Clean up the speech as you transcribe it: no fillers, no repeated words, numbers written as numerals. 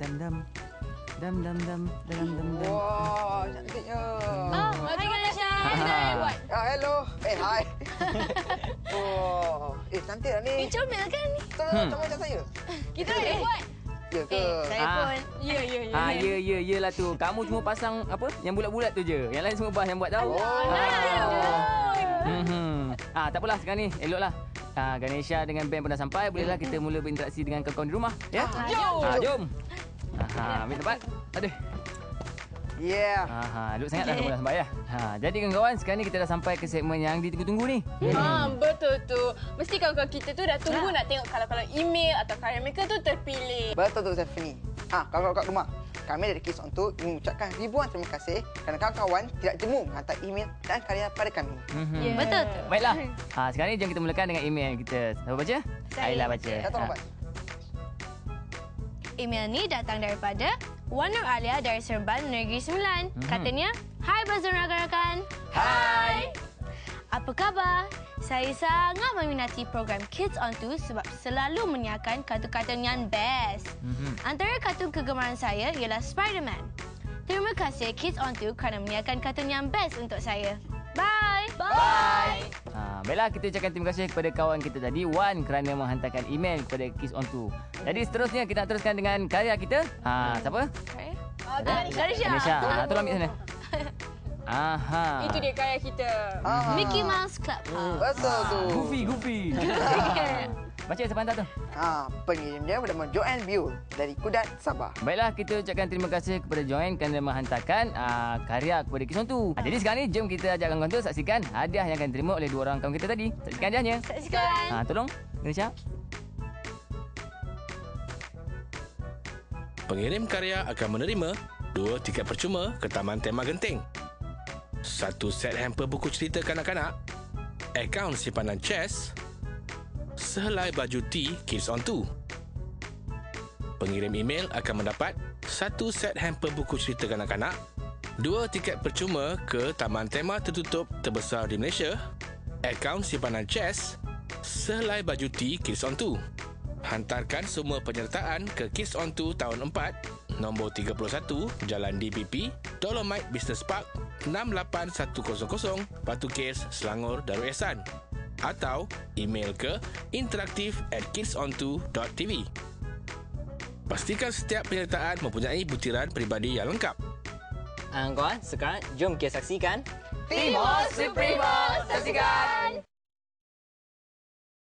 Wah, cantiknya. Hai Ganesha. Hello. Hai. Oh, cantik lah ni. Comel kan ni? Sama macam saya. Kita boleh buat. Ya ke? Saya pun. Ya lah tu. Kamu cuma pasang apa? Yang bulat-bulat tu je. Yang lain semua Bas yang buat tahu. Tak apalah sekarang ni. Eloklah. Ganesha dengan Ben pun dah sampai. Bolehlah kita mula berinteraksi dengan kawan-kawan di rumah. Ya? Jom. Ambil tempat. Aduh. Yeah. Duduk sangat dah kamu dah sampai ya. Jadi kawan-kawan, sekarang ni kita dah sampai ke segmen yang ditunggu-tunggu ni. Betul tu. Mesti kawan-kawan kita tu dah tunggu nak tengok kalau email atau karya mereka tu terpilih. Betul tu Stephanie. Kawan-kawan kat rumah. Kami dari Kids On Tu mengucapkan ribuan terima kasih kerana kawan-kawan tidak jemu menghantar email dan karya pada kami. Betul tu. Baiklah. Sekarang ni jom kita mulakan dengan email kita. Siapa baca? Aila baca. Tolong Bas. Email ni datang daripada Wan Nur Alia dari Serban Negeri Sembilan. Katanya, "Hai Bas dan rakan-rakan." Hai. Apa khabar? Saya sangat meminati program Kids On Tu sebab selalu menyiarkan kartun-kartun yang best. Antara kartun kegemaran saya ialah Spider-Man. Terima kasih Kids On Tu kerana menyiarkan kartun yang best untuk saya. Bye. Bye. Baiklah, kita ucapkan terima kasih kepada kawan kita tadi, Wan, kerana menghantarkan email kepada Kids On Tu. Jadi seterusnya kita nak teruskan dengan karya kita. Siapa? Ganesha. Tolong ambil sana. Itu dia karya kita. Mickey Mouse Club. Betul tu. Goofy. Baca siapa hantar tu? Pengirim dia bernama Joanne Biul dari Kudat, Sabah. Baiklah, kita ucapkan terima kasih kepada Joanne kerana menghantarkan karya kepada Kids On Tu. Jadi sekarang ni, jom kita ajak kawan-kawan tu saksikan hadiah yang akan diterima oleh dua orang kawan kita tadi. Saksikan hadiahnya. Saksikan. Tolong, Ganesha. Pengirim karya akan menerima 2 tiket percuma ke Taman Tema Genting, 1 set hamper buku cerita kanak-kanak, akaun simpanan chess, sehelai baju T Kids On Tu. Pengirim email akan mendapat 1 set hamper buku cerita kanak-kanak, 2 tiket percuma ke Taman Tema tertutup terbesar di Malaysia, akaun simpanan chess, sehelai baju T Kids On Tu. Hantarkan semua penyertaan ke Kids On Tu tahun 4, nombor 31, Jalan DPP, Dolomite Business Park, 68100, Batu Kes, Selangor, Darul Ihsan. Atau email ke interaktif@kidsontu.tv. Pastikan setiap penyertaan mempunyai butiran peribadi yang lengkap. Kawan, sekarang jom kita saksikan Timos Suprema. Saksikan.